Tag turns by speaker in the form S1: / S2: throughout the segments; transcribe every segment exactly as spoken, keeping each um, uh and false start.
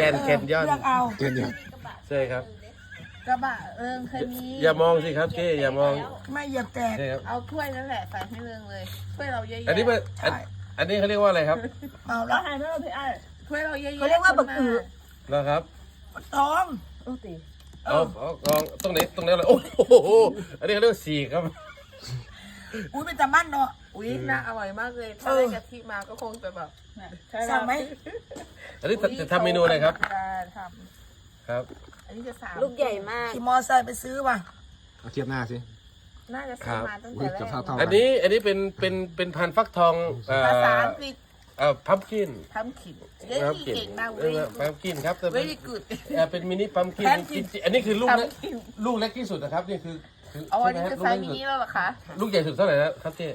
S1: นแคนยอน
S2: เลือกเอา
S1: ใช่ครับ
S3: กระบะเอิงเคยมี
S1: อย่ามองสิครับเจ๊อย่ามอง
S2: ไม่เหยียบแตก
S1: ใช่ครับ
S3: เอาถ้วยนั่นแหละใส่ให้เริงเลยถ้วยเราเยอะๆ
S1: อันนี้มันอันอันนี้เขาเรียกว่าอะไรครับ
S2: เมา
S3: เรา
S2: แล้ว
S3: หายไม่เราพี่ไอ้ถ้วยเราเยอะๆ
S2: เขาเรียกว่าบักอือ
S1: นะครับ
S2: ท้อง
S3: โอ้ตี
S1: เอาเอาลองตรงไหนตรงไหนเลยโอ้โหอันนี้เขาเรียกว่าสีครับ
S2: อุ้ยเป็นตะมั่นเนาะ
S3: อุ้ยน่าอร่อยมากเลยถ้า
S2: เออ
S3: ได้กะทิมาก็คงจะแบบ
S2: สั่งไหม
S1: อันนี้จะจะทำเมนูอะไรครับ
S3: จะท
S1: ครับ
S3: ำอันนี้จะสาม
S4: ลูกใหญ่มาก
S2: ขี่มอไซค์ไปซื้อว่ะ
S5: เอาเทียบหน้าสิ
S3: น่าจะซื้อมาตั้ง
S5: อุ้
S3: แต่
S5: ย
S3: แร
S5: กับ
S3: ก
S5: ข้าวทอง
S1: อันนี้อันนี้เป็นเป็นเป็นพันธุ์ฟักทองเอ่อ
S3: ภาษาอังกฤษ
S1: เอ่อพัมกิน
S3: ทำขินเย้
S1: พัม
S3: ที่
S1: กิน
S3: เก่งมาก
S1: เอ
S3: เว้ย
S1: อพัมกินครับแต่เป็น
S3: very good
S1: เอ่อเป็นมินิพัมกินจริงๆอันนี้คือลูกเล็กลูกเล็กที่สุดนะครับนี่คือคือ
S3: อ๋ออันนี้
S1: ใช่
S3: คือ
S1: ไหม
S3: ไซ
S1: ลูก
S3: ส์
S1: เล็ก
S3: มิ
S1: ที่สุด
S3: นิแล้วเหรอคะ
S1: ลูกใหญ่สุดเท่าไหร่นะครับเจ๊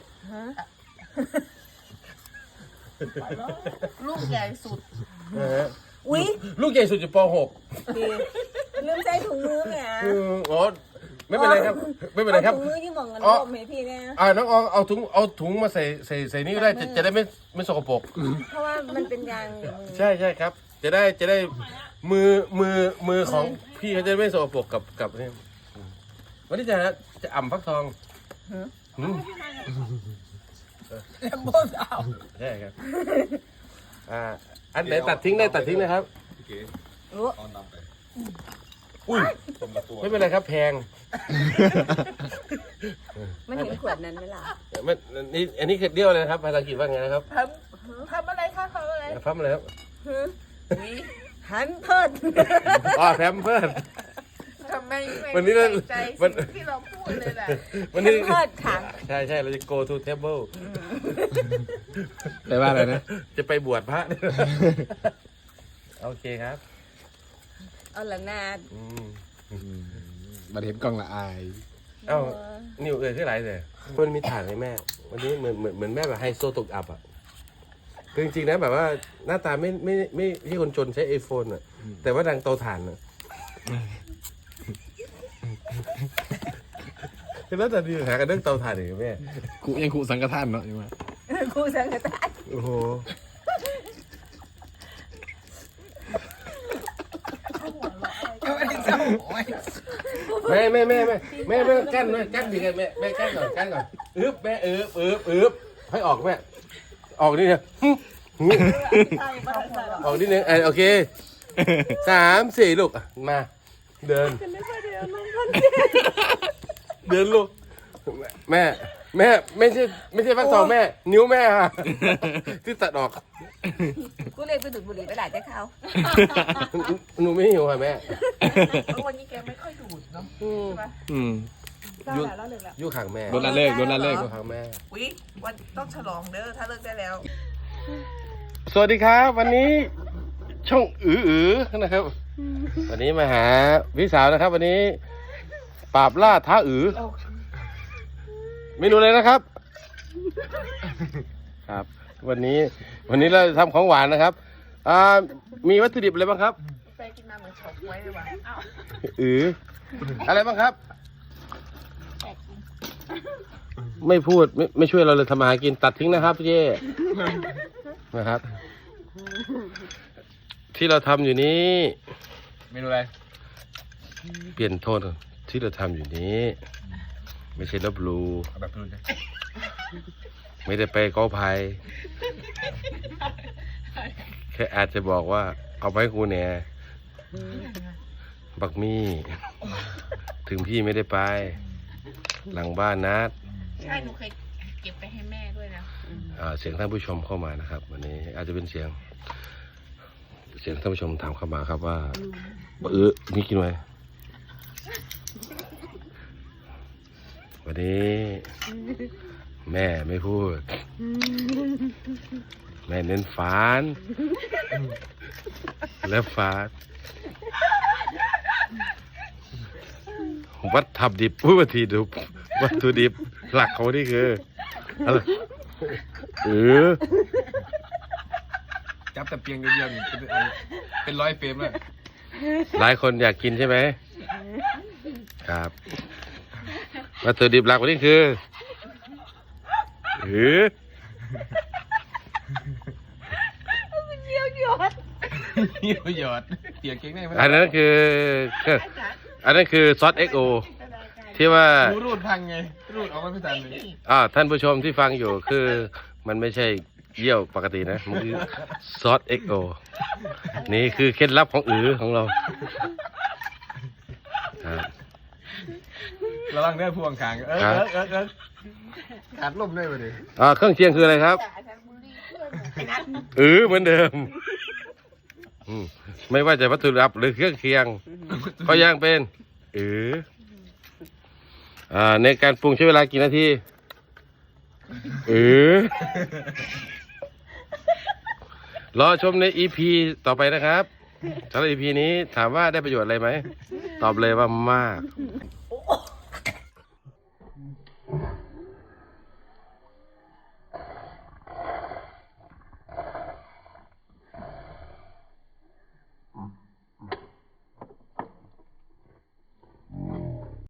S3: ลูกใหญ่สุด
S1: เออ
S4: อุ๊ย
S1: ลูกใหญ่สุดอยู่ป .หก
S4: ดีลืมใส่ถุงมือแหม
S1: อืมอ๋อไม่เป็นไรครับ ไม่เป็นไรครับ
S4: อาถุงมือที่หมองกัน
S1: อ๋อ
S4: รวมให้พี่เนี่ย
S1: อ่าน้องอองเอาถุงเอาถุงมาใส่ใส่ใส่นี่ก็ได้จะจะได้ไม่ไม่สกปรก
S4: เพราะว่ามันเป็นยางอยู่มือ
S1: ใช่ใช่ครับ จะได้จะได้มือมือมือของพี่เขาจะไม่สกปรกกับกับนี่วันนี้จะจะอ่ำฟักทองอืม
S2: แลมโบสาว
S1: ใช่ครับอ่าอันไหนตัดทิ้งได้ตัดทิ้งนะครับ
S4: รู้
S1: อุ้ยไม่เป็นไรครับแพง
S4: มันเห็นขวดนั้นไหมล่ะ
S1: ไม่นี่อันนี้คือเดียวเลยนะครับภาษาอังกฤษว่าไงนะครับ
S3: ทำทำอะไรคะทำอะไร
S1: ฟัมอะไรครับ
S3: อุ๊ย
S4: หันเพิด
S1: อ๋อแพมเพิร์ด
S3: ทำไมไม่
S1: วันนี้เรา
S3: ใส่ใจ
S1: วัน
S3: สิ่งที่เราพูดเลยแหละ
S1: วัน
S4: แฮ
S1: นี้
S4: มเพิดค่ะ
S1: ใช่ใช่เราจะ go to table
S5: แปลว่าอะไรนะ
S1: จะไปบวชพระ โอเคครับ
S4: เอาละนาด
S1: อืม
S5: มาเห็นกล้องละอาย
S1: เอ้านิวเอ่ยขึ้นไรเลยมันมีฐานเลยแม่ วันนี้เหมือนเหมือนเหมือนแม่แบบไฮโซตกอับอ่ะคือจริงๆนะแบบว่าหน้าตาไม่ไม่ไม่ไม่ใช่คนจนใช้ไอโฟนอ่ะ แต่ว่าดังเตาถ่านอ่ะคือหน้าตาดีหากันเรื่องเตาถ่านอย่างแม่
S5: กูยังกูสังกทานเนาะยังไง
S4: ครูสังกัด
S1: โอ้โหแม่แม่แม่แม่แม่แม่กั้นด้วยกั้นดีกันแม่แม่กั้นก่อนกั้นก่อนอึ๊บแม่อึ๊บอึ๊บอึ๊บให้ออกแม่ออกนี่เนี่ยออกนิดนึงโอเคสามสี่ลูกมาเดินเดินลูกแม่แม่ไม่ใช่ไม่ใช่ฟักทองแม่นิ้วแม่ค่ะที่ตัดออก
S4: กูเลยไปดูดบุหรี่ไปหลายแต่เขา
S1: หนูไม่หิวค่ะแม่
S3: วันนี้แกไม่ค่อยดูดเนาะ
S1: อืม
S3: ใช่ปะ
S5: อืม
S3: เล่าแล้วเล่าเลยแล้ว
S1: ยู่ข้างแม่
S5: โดนละเลิกโดนละเลิก
S1: ยู่ข้างแม่
S3: อุ๊ยวันต้องฉลองเด้อถ้าเลิกได้แล้ว
S1: สวัสดีครับ วันนี้ช่องอืออือนะครับ วันนี้มาหาพี่สาวนะครับ วันนี้ปราบล่าท้าอือเมนูเลยนะครับ ครับ วันนี้วันนี้เราทำของหวานนะครับอ่ามีวัตถุดิบอะไรบ้างครับ
S3: แฟนกินมาเหมือนเฉาก๊วยเลยว่ะอ้าว
S1: อืออะไรบ้างครับ ไม่พูดไม่ไม่ช่วยเราเลยทำมาหากินตัดทิ้งนะครับพี่เจ้นะครับ ที่เราทำอยู่นี้
S5: เมนูอะไร
S1: เปลี่ยนโทนก่อนที่เราทำอยู่นี้ ไม่ใช่ลบหลู
S5: เอาแบบพูดเลย
S1: ไม่ได้ไปกอภัยแค่อาจจะบอกว่า เอาไปให้กูเนี่ยบักมี่ถึงพี่ไม่ได้ไป หลังบ้านนัด
S3: ใช่หนูเคยเก็บไปให้แม่ด้วยนะ
S1: อ่าเสียงท่านผู้ชมเข้ามานะครับ วันนี้อาจจะเป็นเสียง เสียงท่านผู้ชมถามเข้ามาครับว่าเออมีกินไหมวันนี้ แม่ไม่พูด แม่เน้นฟานและฟาดวัตถุดิบผู้วัตถุดิบวัตถุดิบหลักของนี่คืออะไรเออ
S5: จับแต่เพียงเดียวๆนี่เป็นอันเป็นร้อยเฟรมเลย
S1: หลายคนอยากกินใช่ไหมครับวัตถุดิบหลักของนี่คือเออ
S4: เยี่ยวหยด
S5: มีประโยชน์เปียกเก่งได้ไหม
S1: อันนั้นคืออันนั้นคือซอสเอ็กโอที่ว่า
S5: รูรูดพังไงรูดออกมาไม่ทันเลย
S1: อ่าท่านผู้ชมที่ฟังอยู่คือมันไม่ใช่เยี่ยวปกตินะมันคือซอสเอ็กโอนี่คือเคล็ดลับของอือของเราครับ
S5: ระวังเนื้อพวงคางเออ
S1: ครับ
S5: เออเออเออขาดลมได้ปะดิ
S1: อ่าเครื่องเคียงคืออะไรครับอือเหมือนเดิมอืมไม่ว่าจะวัตถุดิบหรือเครื่องเคียง ก็ยังเป็นอืออ่าในการปรุงใช้เวลากี่นาทีอือรอชมใน อี พี ต่อไปนะครับสำหรับ อี พี นี้ถามว่าได้ประโยชน์อะไรไหม ตอบเลยว่ามาก